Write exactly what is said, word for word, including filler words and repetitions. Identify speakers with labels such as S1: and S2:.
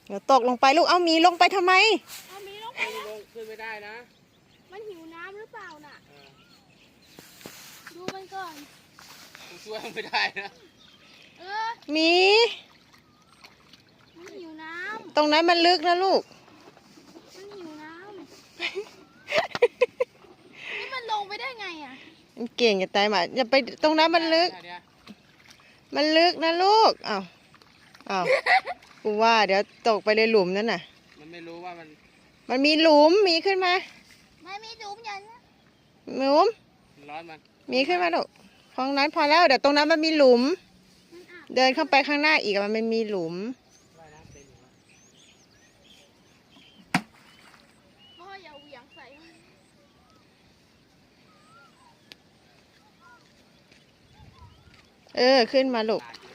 S1: เดี๋ยวตกลงไปลูกเอาหมีลงไปทำไม
S2: เอามีลงไป
S3: ขึ้น
S2: แล้ว
S3: ลงขึ้นไม่ได้นะ
S2: มันหิวน้ำหรือเปล่าน่ะ
S3: เออ
S2: ดูมันก่อน
S3: กูช่วยมันไม่ได้นะ
S2: เออ
S1: หมี
S2: มันหิวน้
S1: ตรงนั้นมันลึกนะลูก
S2: ำมันหิวน้ำนี่มันลงไปได้ไงอ่ะ
S1: มันเก่งจะตายหมาอย่าไปตรงนั้นมันลึก
S3: เดี๋ยว
S1: มันลึกนะลูกอ้าวอ้าวกูว่าเดี๋ยวตกไปในหลุมนั่นน่ะ
S3: มันไม่รู้ว่ามัน
S1: มันมีหลุมหมีขึ้นมา
S2: ไม่มีดุมยันนะ
S1: หลุม
S3: ร้อนมัน
S1: หมีขึ้นมาลูกของนั้นพอแล้วเดี๋ยวตรงนั้นมันมีหลุม
S2: มันอาบ
S1: เดินเข้าไปข้างหน้าอีกอะมันไม่มีหลุม
S3: ว่ายน้ำเป็นอยู่วะ
S2: พ่ออย่าเหวี่ยงใส่มัน
S1: เออขึ้นมาลูก
S3: ตายอยู่